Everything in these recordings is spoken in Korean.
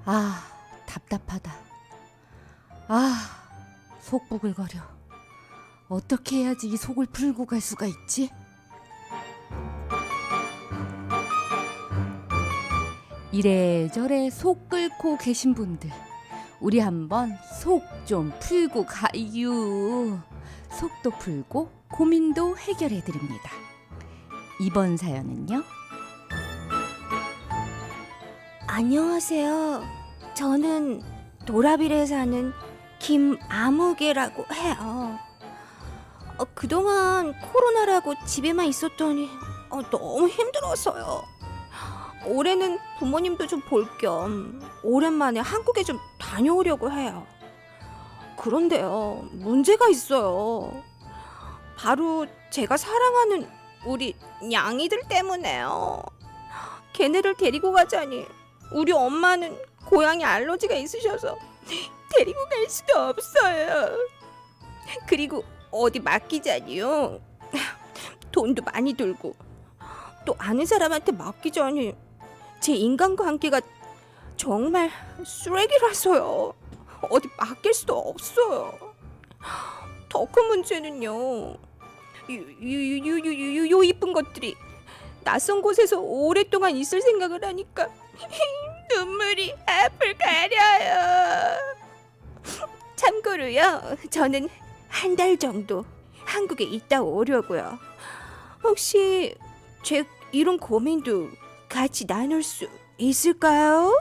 아, 답답하다. 아, 속 부글거려. 어떻게 해야지 이 속을 풀고 갈 수가 있지? 이래저래 속 끓고 계신 분들, 우리 한번 속 좀 풀고 가유. 속도 풀고 고민도 해결해 드립니다. 이번 사연은요? 안녕하세요. 저는 도라빌에 사는 김아무개라고 해요. 그동안 코로나라고 집에만 있었더니 너무 힘들었어요. 올해는 부모님도 좀 볼 겸 오랜만에 한국에 좀 다녀오려고 해요. 그런데요, 문제가 있어요. 바로 제가 사랑하는 우리 냥이들 때문에요. 걔네를 데리고 가자니 우리 엄마는 고양이 알러지가 있으셔서 데리고 갈 수도 없어요. 그리고 어디 맡기자니요, 돈도 많이 들고, 또 아는 사람한테 맡기자니 제 인간관계가 정말 쓰레기라서요. 어디 맡길 수도 없어요. 더 큰 문제는요, 요 이쁜 것들이 낯선 곳에서 오랫동안 있을 생각을 하니까 눈물이 앞을 가려요. 참고로요, 저는 한 달 정도 한국에 있다 오려고요. 혹시 제 이런 고민도 같이 나눌 수 있을까요?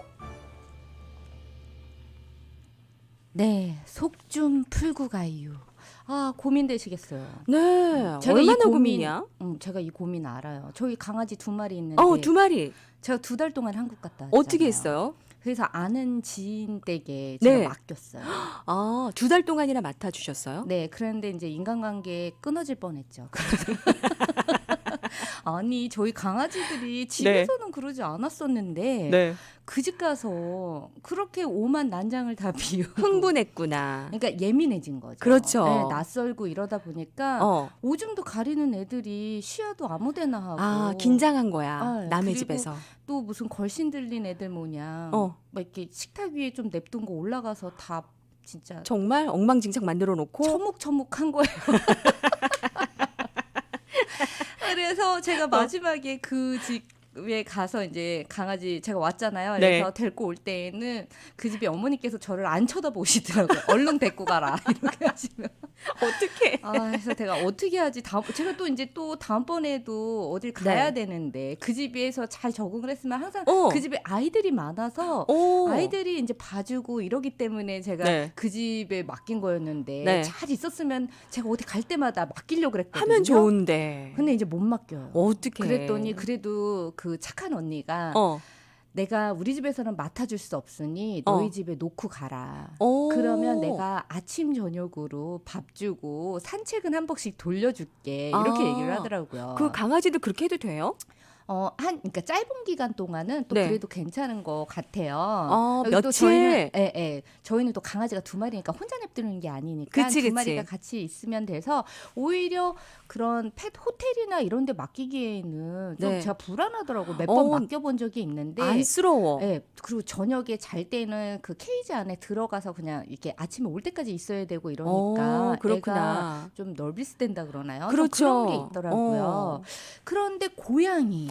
네, 속 좀 풀고 가유. 아, 고민되시겠어요. 네, 제가 이 얼마나 고민- 고민이야? 제가 이 고민 알아요. 저희 강아지 2마리 있는데 2마리. 제가 2달 동안 한국 갔다 왔잖아요. 어떻게 했어요? 그래서 아는 지인 댁에 제가 네. 맡겼어요. 2달 동안이나 맡아주셨어요? 네, 그런데 이제 인간관계 끊어질 뻔했죠. 아니, 저희 강아지들이 집에서는 그러지 않았었는데 네. 그 집 가서 그렇게 오만 난장을 다 비우고 흥분했구나. 그러니까 예민해진 거죠. 그렇죠. 네, 낯설고 이러다 보니까 어. 오줌도 가리는 애들이 시야도 아무데나 하고 긴장한 거야. 아, 남의 그리고 집에서. 또 무슨 걸신 들린 애들 모양 어. 막 이렇게 식탁 위에 좀 냅둔 거 올라가서 다 진짜 정말 엉망진창 만들어 놓고. 처묵처묵한 거예요. 그래서 제가 마지막에 그 집에 가서 이제 강아지 제가 왔잖아요. 그래서 네. 데리고 올 때에는 그 집에 어머니께서 저를 안 쳐다보시더라고요. 얼른 데리고 가라 이렇게 하시면. 어떻게? 그래서 제가 어떻게 하지? 제가 또 이제 또 다음번에도 어딜 가야 되는데 그 집에서 잘 적응을 했으면 항상 그 집에 아이들이 많아서 아이들이 이제 봐주고 이러기 때문에 제가 그 집에 맡긴 거였는데 잘 있었으면 제가 어디 갈 때마다 맡기려고 그랬거든요. 하면 좋은데. 근데 이제 못 맡겨요. 어떻게? 그랬더니 그래도 그 착한 언니가 내가 우리 집에서는 맡아줄 수 없으니 너희 집에 놓고 가라. 그러면 내가 아침 저녁으로 밥 주고 산책은 한 번씩 돌려줄게. 이렇게 얘기를 하더라고요. 그 강아지도 그렇게 해도 돼요? 그러니까 짧은 기간 동안은 또 그래도 괜찮은 것 같아요. 며칠? 또 저희는 또 강아지가 2마리니까 혼자 냅두는 게 아니니까 그치. 2마리가 같이 있으면 돼서 오히려 그런 펫 호텔이나 이런 데 맡기기에는 좀 제가 불안하더라고요. 몇 번 맡겨본 적이 있는데 안쓰러워. 그리고 저녁에 잘 때는 그 케이지 안에 들어가서 그냥 이렇게 아침에 올 때까지 있어야 되고 이러니까 그렇구나. 애가 좀 널비스된다 그러나요? 그렇죠. 좀 그런 게 있더라고요. 그런데 고양이.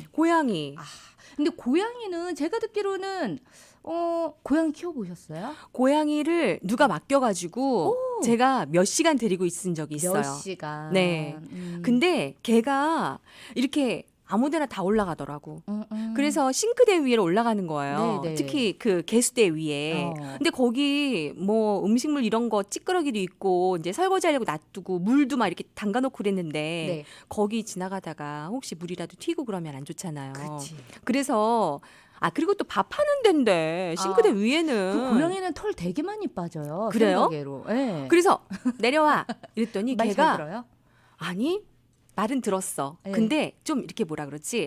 근데 고양이는 제가 듣기로는 고양이 키워보셨어요? 고양이를 누가 맡겨가지고 제가 몇 시간 데리고 있은 적이 있어요. 몇 시간. 네. 근데 걔가 이렇게 아무데나 다 올라가더라고. 그래서 싱크대 위에 올라가는 거예요. 네네. 특히 그 개수대 위에. 근데 거기 뭐 음식물 이런 거 찌끄러기도 있고 이제 설거지하려고 놔두고 물도 막 이렇게 담가놓고 그랬는데 거기 지나가다가 혹시 물이라도 튀고 그러면 안 좋잖아요. 그치. 그래서 그리고 또 밥하는 데인데 싱크대 위에는 그 고양이는 털 되게 많이 빠져요. 그래요? 생각외로. 네. 그래서 내려와 이랬더니 말 잘 걔가 들어요? 아니 말은 들었어. 네. 근데 근데 좀 이렇게 뭐라 그러지?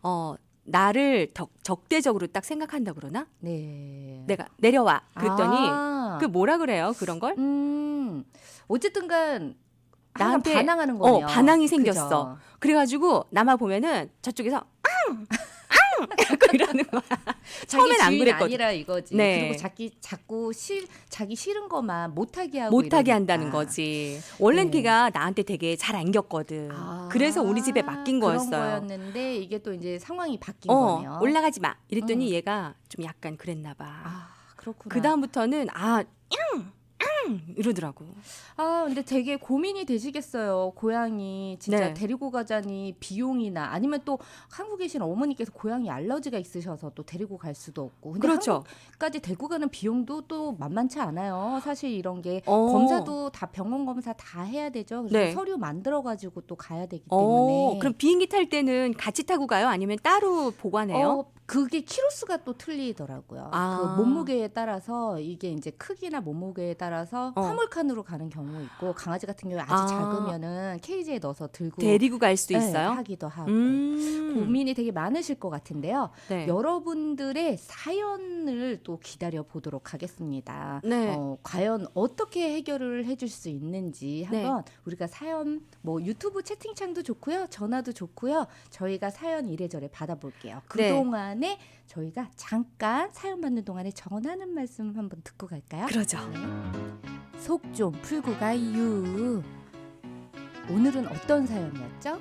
나를 적대적으로 딱 생각한다 그러나? 네. 내가 내려와 그랬더니 아. 그 뭐라 그래요? 그런 걸? 어쨌든간 나한테 반항하는 거예요. 반항이 생겼어. 그죠? 그래가지고 나만 보면은 저쪽에서 앙! 앙! 이러는 거야. 자기 처음엔 안 주인 그랬거든. 아니라 이거지. 네. 그리고 자꾸 자기 싫은 것만 못하게 하고 못하게 이러니까. 한다는 거지. 원래는 네. 걔가 나한테 되게 잘 안겼거든. 아, 그래서 우리 집에 맡긴 그런 거였어요. 거였는데 이게 또 이제 상황이 바뀐 거네요. 올라가지 마. 이랬더니 얘가 좀 약간 그랬나 봐. 아, 그렇구나. 그 다음부터는 이러더라고. 아, 근데 되게 고민이 되시겠어요. 고양이 진짜 네. 데리고 가자니 비용이나 아니면 또 한국에 계신 어머니께서 고양이 알러지가 있으셔서 또 데리고 갈 수도 없고. 근데 그렇죠. 한국까지 데리고 가는 비용도 또 만만치 않아요. 사실 이런 게 검사도 다 병원 검사 다 해야 되죠. 그래서 네. 서류 만들어 가지고 또 가야 되기 때문에. 그럼 비행기 탈 때는 같이 타고 가요? 아니면 따로 보관해요? 그게 키로수가 또 틀리더라고요. 아. 그 몸무게에 따라서 이게 이제 크기나 몸무게에 따라서 화물칸으로 가는 경우 있고 강아지 같은 경우에 아주 작으면은 케이지에 넣어서 들고 데리고 갈 수도 네, 있어요? 하기도 하고 고민이 되게 많으실 것 같은데요. 네. 여러분들의 사연을 또 기다려 보도록 하겠습니다. 네. 과연 어떻게 해결을 해줄 수 있는지 한번 우리가 사연 뭐 유튜브 채팅창도 좋고요, 전화도 좋고요. 저희가 사연 이래저래 받아볼게요. 그동안에 저희가 잠깐 사연 받는 동안에 전하는 말씀 한번 듣고 갈까요? 그러죠. 속 좀 풀고 가유. 오늘은 어떤 사연이었죠?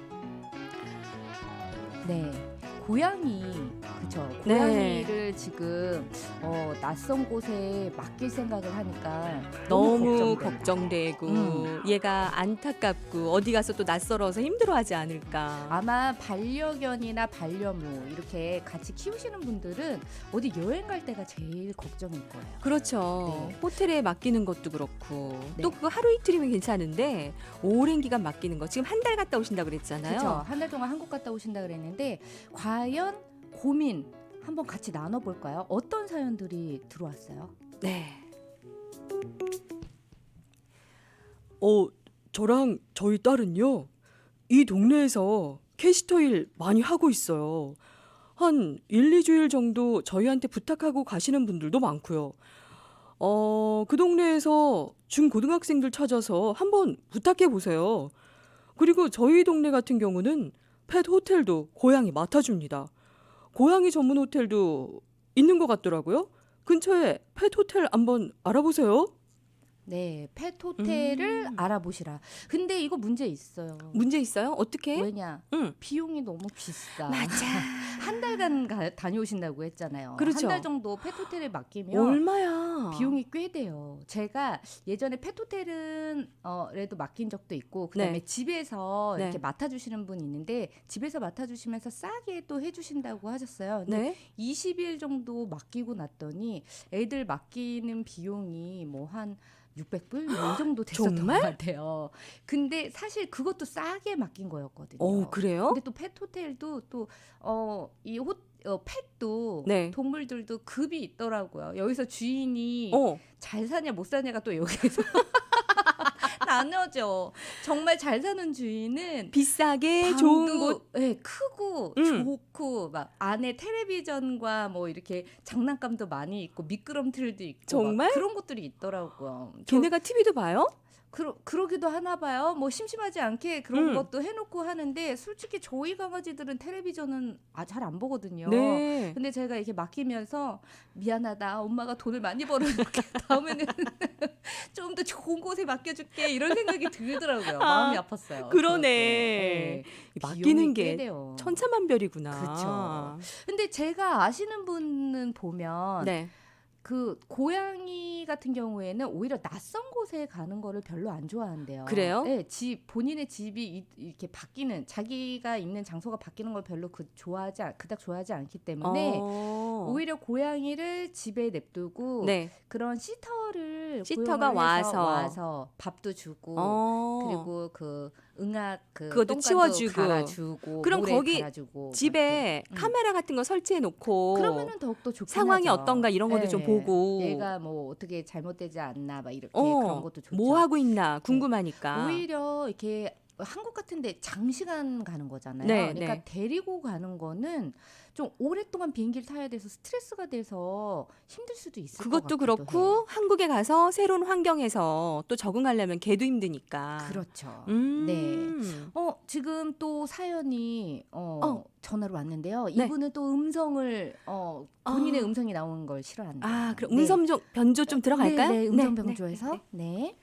네, 고양이, 그쵸? 고양이를 지금 낯선 곳에 맡길 생각을 하니까 너무 걱정돼. 걱정되고 얘가 안타깝고 어디 가서 또 낯설어서 힘들어하지 않을까. 아마 반려견이나 반려묘 이렇게 같이 키우시는 분들은 어디 여행 갈 때가 제일 걱정일 거예요. 그렇죠. 네. 호텔에 맡기는 것도 그렇고 네. 또 그거 하루 이틀이면 괜찮은데 오랜 기간 맡기는 거 지금 한 달 갔다 오신다 그랬잖아요. 그렇죠. 한 달 동안 한국 갔다 오신다 그랬는데 과연 고민 한번 같이 나눠볼까요? 어떤 사연들이 들어왔어요? 네. 저랑 저희 딸은요, 이 동네에서 캐시터 일 많이 하고 있어요. 한 1, 2주일 정도 저희한테 부탁하고 가시는 분들도 많고요. 그 동네에서 중고등학생들 찾아서 한번 부탁해 보세요. 그리고 저희 동네 같은 경우는 펫 호텔도 고양이 맡아줍니다. 고양이 전문 호텔도 있는 것 같더라고요. 근처에 펫 호텔 한번 알아보세요. 네, 펫 호텔을 알아보시라. 근데 이거 문제 있어요. 문제 있어요? 어떻게? 왜냐? 비용이 너무 비싸. 맞아. 한 달간 다녀오신다고 했잖아요. 그렇죠. 한 달 정도 펫 호텔에 맡기면 얼마야? 비용이 꽤 돼요. 제가 예전에 펫 호텔은 에도 맡긴 적도 있고 그다음에 네. 집에서 네. 이렇게 맡아주시는 분이 있는데 집에서 맡아주시면서 싸게 또 해주신다고 하셨어요. 근데 네. 20일 정도 맡기고 났더니 애들 맡기는 비용이 뭐 한 600불 뭐 이 정도 됐었던 정말? 것 같아요. 근데 사실 그것도 싸게 맡긴 거였거든요. 그래요? 근데 또 펫 호텔도 또 펫도 네. 동물들도 급이 있더라고요. 여기서 주인이 잘 사냐 못 사냐가 또 여기서 나눠져. 정말 잘 사는 주인은 비싸게 좋은 방도 곳. 네, 크고 좋고 막 안에 텔레비전과 뭐 이렇게 장난감도 많이 있고 미끄럼틀도 있고 정말? 막 그런 것들이 있더라고요. 걔네가 TV도 봐요? 그러기도 하나 봐요. 뭐 심심하지 않게 그런 것도 해놓고 하는데 솔직히 저희 강아지들은 텔레비전은 잘 안 보거든요. 네. 근데 제가 이렇게 맡기면서 미안하다. 엄마가 돈을 많이 벌어놓게 다음에는 좀 더 좋은 곳에 맡겨줄게 이런 생각이 들더라고요. 마음이 아팠어요. 그러네. 맡기는 게 돼요. 천차만별이구나. 그렇죠. 근데 제가 아시는 분은 보면 네. 그 고양이 같은 경우에는 오히려 낯선 곳에 가는 거를 별로 안 좋아한대요. 그래요? 네, 본인의 집이 이렇게 바뀌는 자기가 있는 장소가 바뀌는 걸 별로 그닥 좋아하지 않기 때문에 오히려 고양이를 집에 냅두고 네. 그런 시터가 시터가 와서 밥도 주고 그리고 그 응악 그것도 똥간도 치워주고. 갈아주고 그럼 모래 거기 갈아주고 집에 카메라 같은 거 설치해 놓고 그러면은 더욱더 좋긴 상황이 하죠. 어떤가 이런 것도 좀 보고 얘가 뭐 어떻게 잘못되지 않나 막 이렇게 그런 것도 좋죠. 뭐 하고 있나 궁금하니까. 오히려 이렇게 한국 같은데 장시간 가는 거잖아요. 네, 그러니까 네. 데리고 가는 거는 좀 오랫동안 비행기를 타야 돼서 스트레스가 돼서 힘들 수도 있을 것 그것도 같기도 그렇고 해요. 한국에 가서 새로운 환경에서 또 적응하려면 걔도 힘드니까. 그렇죠. 네. 음. 지금 또 사연이 어, 전화로 왔는데요. 네. 이분은 또 음성을 본인의 아, 음성이 나오는 걸 싫어한대요. 그럼 네. 음성 변조 좀 네, 들어갈까요? 네. 네, 음성 네, 변조해서. 네. 네.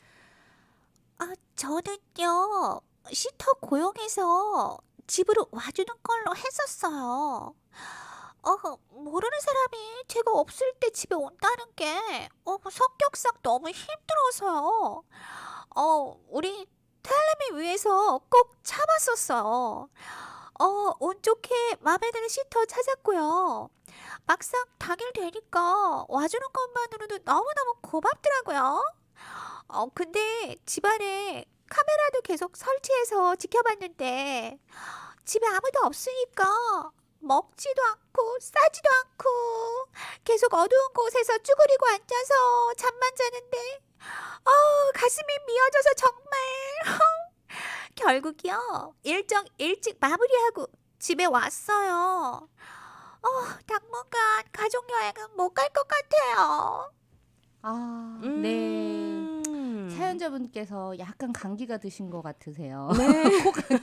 저는요, 시터 고용해서 집으로 와주는 걸로 했었어요. 모르는 사람이 제가 없을 때 집에 온다는 게, 성격상 너무 힘들어서요. 우리 딸내미 위해서 꼭 참았었어요. 운 좋게 마음에 드는 시터 찾았고요. 막상 당일 되니까 와주는 것만으로도 너무너무 고맙더라고요. 근데 집안에 카메라도 계속 설치해서 지켜봤는데 집에 아무도 없으니까 먹지도 않고 싸지도 않고 계속 어두운 곳에서 쭈그리고 앉아서 잠만 자는데 가슴이 미어져서 정말 결국이요 일정 일찍 마무리하고 집에 왔어요. 당분간 가족여행은 못 갈 것 같아요. 네. 음. 사연자분께서 약간 감기가 드신 것 같으세요. 네.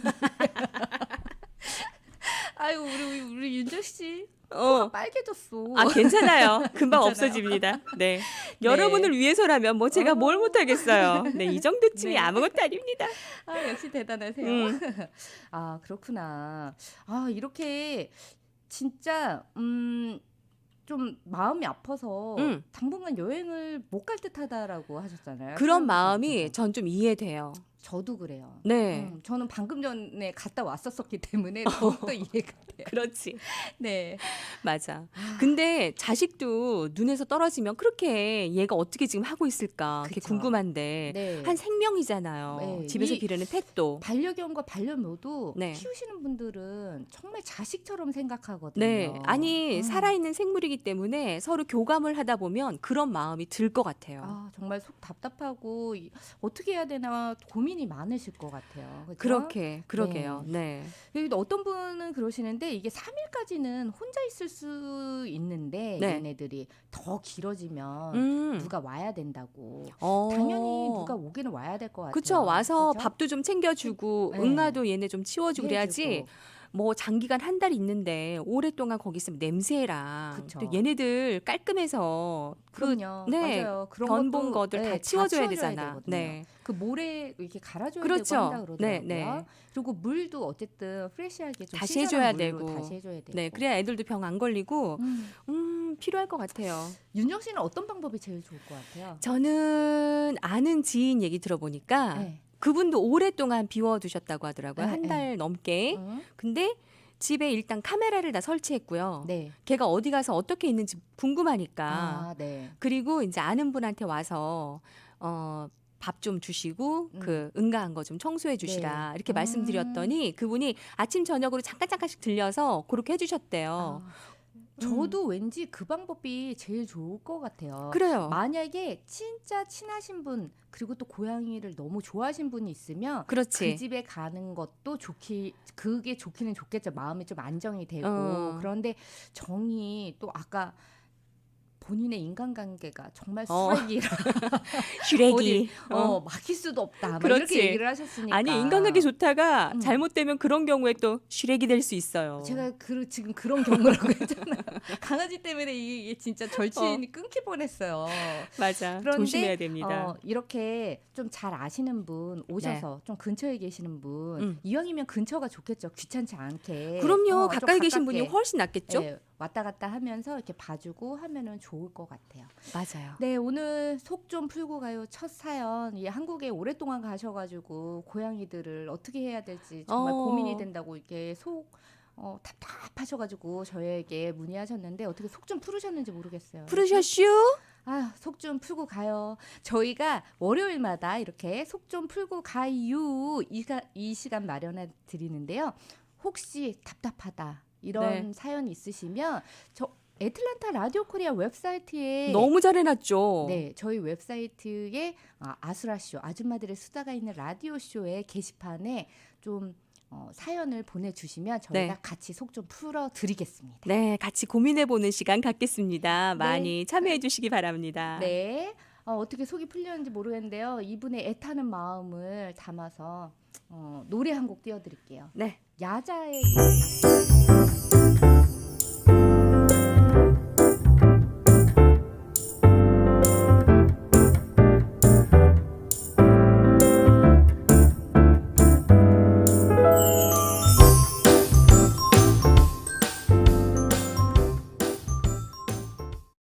아유, 우리 윤정 씨 어. 빨개졌어. 괜찮아요. 금방 괜찮아요? 없어집니다. 네. 여러분을 위해서라면 뭐 제가 뭘 못하겠어요. 네, 이 정도쯤이 네. 아무것도 아닙니다. 역시 대단하세요. 음. 그렇구나. 이렇게 진짜 좀 마음이 아파서 음. 당분간 여행을 못 갈 듯하다라고 하셨잖아요. 그런 사연자분께서. 마음이 전 좀 이해돼요. 저도 그래요. 네. 저는 방금 전에 갔다 왔었기 때문에 더욱더 이해가 돼요. 그렇지. 네. 맞아. 근데 자식도 눈에서 떨어지면 그렇게 얘가 어떻게 지금 하고 있을까 그게 그쵸. 궁금한데 네. 한 생명이잖아요. 네. 집에서 이 기르는 펫도. 반려견과 반려묘도 네. 키우시는 분들은 정말 자식처럼 생각하거든요. 네. 아니, 음. 살아있는 생물이기 때문에 서로 교감을 하다 보면 그런 마음이 들 것 같아요. 정말 속 답답하고 어떻게 해야 되나 고민이 많으실 것 같아요. 그렇죠? 그렇게, 그러게요. 네. 여기도 어떤 분은 그러시는데 이게 3일까지는 혼자 있을 수 있는데 네. 얘네들이 더 길어지면 누가 와야 된다고. 당연히 누가 오기는 와야 될 것 같아요. 그쵸. 와서 그죠? 밥도 좀 챙겨주고 네. 응아도 얘네 좀 치워주고 그래야지. 해주고. 뭐 장기간 한 달 있는데 오랫동안 거기 있으면 냄새랑 그쵸. 또 얘네들 깔끔해서 그럼요. 네, 맞아요. 그런 변 본 것도, 거들 네, 다 치워줘야 치워줘야 되잖아. 되거든요. 네. 그 모래 이렇게 갈아줘야 그렇죠. 되고 한다 그러더라고요. 네, 네. 그리고 물도 어쨌든 프레시하게 좀 다시 신선한 해줘야 물로 되고. 다시 해줘야 되고. 네, 그래야 애들도 병 안 걸리고 필요할 것 같아요. 윤정 씨는 어떤 방법이 제일 좋을 것 같아요? 저는 아는 지인 얘기 들어보니까 네. 그분도 오랫동안 비워두셨다고 하더라고요. 네, 한 네. 달 넘게. 근데 집에 일단 카메라를 다 설치했고요. 네. 걔가 어디 가서 어떻게 있는지 궁금하니까. 네. 그리고 이제 아는 분한테 와서 밥 좀 주시고 그 응가한 거 좀 청소해 주시라 네. 이렇게 말씀드렸더니 그분이 아침 저녁으로 잠깐씩 들려서 그렇게 해주셨대요. 저도 왠지 그 방법이 제일 좋을 것 같아요. 그래요. 만약에 진짜 친하신 분 그리고 또 고양이를 너무 좋아하신 분이 있으면 그렇지. 그 집에 가는 것도 그게 좋기는 좋겠죠. 마음이 좀 안정이 되고. 그런데 정이 또 아까 본인의 인간관계가 정말 쓰레기라 슈렉이 막힐 수도 없다. 막 그렇지. 이렇게 얘기를 하셨으니까. 아니 인간관계 좋다가 잘못되면 그런 경우에 또 슈렉이 될 수 있어요. 제가 지금 그런 경우라고 했잖아요. 강아지 때문에 이게 진짜 절친이 끊길 뻔했어요. 맞아. 그런데 조심해야 됩니다. 이렇게 좀 잘 아시는 분 오셔서 좀 근처에 계시는 분 이왕이면 근처가 좋겠죠. 귀찮지 않게. 그럼요. 좀 가까이 계신 가깝게. 분이 훨씬 낫겠죠. 네, 왔다 갔다 하면서 이렇게 봐주고 하면은 좋을 것 같아요. 맞아요. 네, 오늘 속 좀 풀고 가요. 첫 사연. 한국에 오랫동안 가셔가지고 고양이들을 어떻게 해야 될지 정말 고민이 된다고 이렇게 답답하셔가지고 저에게 문의하셨는데 어떻게 속 좀 풀으셨는지 모르겠어요. 풀으셨슈? 속 좀 풀고 가요. 저희가 월요일마다 이렇게 속 좀 풀고 가요. 이 시간 마련해 드리는데요. 혹시 답답하다 이런 사연이 있으시면 애틀란타 라디오 코리아 웹사이트에 너무 잘 해놨죠. 네, 저희 웹사이트에 아수라쇼 아줌마들의 수다가 있는 라디오 쇼의 게시판에 좀 사연을 보내주시면 저희가 네. 같이 속 좀 풀어드리겠습니다. 네, 같이 고민해보는 시간 갖겠습니다. 네. 많이 참여해주시기 바랍니다. 네, 어떻게 속이 풀렸는지 모르겠는데요. 이분의 애타는 마음을 담아서 노래 한 곡 띄워드릴게요. 네. 야자의